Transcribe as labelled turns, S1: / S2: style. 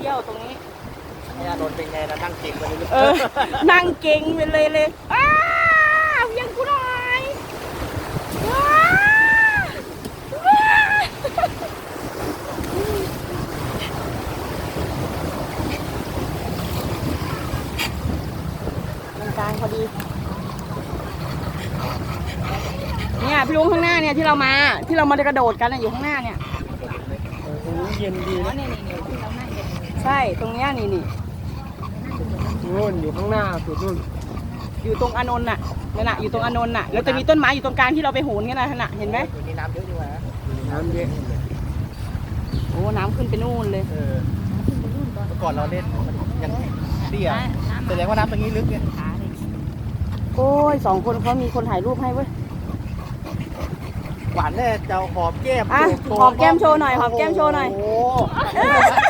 S1: ที่ยวตรงนี้
S2: เนี่ยโดนเป็นไงนะนั่งเก่งไปเลย
S1: นั่งเก่งไปเลยอ้าวเวียงกูหน่อยว้าวกลางพอดีเนี่ยพี่ลุงข้างหน้าเนี่ยที่เรามากระโดดกันอยู่ข้างหน้าเนี่ย
S2: ตรงนี้เย็นดีนะ
S1: ใช่ตรงเนี้ยนี่
S2: นู่นอยู่ข้างหน้าสุดนู่น
S1: อยู่ตรงอานนท์น่ะนั่นน่ะอยู่ตรงอานนท์น่ะแล้วจะมีต้นไม้อยู่ตรงกลางที่เราไปโหนกันน่ะเห็นไหม
S2: อยู่นี่น้ำเยอะดีกว่าน้ำเยอะ
S1: โอ้น้ำขึ้นไปนู่นเลย
S2: เมื่อก่อนเราเล่นมันยังเตี้ยแสดงว่าน้ำตรงนี้ลึกเนี่ย
S1: โอ้ย2 คนเขามีคนถ่ายรูปให้เว้ย
S2: หวานแน่จะหอมแก้ม
S1: อ่ะหอมแก้มโชว์หน่อยหอมแก้มโชว์หน่อย
S2: โอ้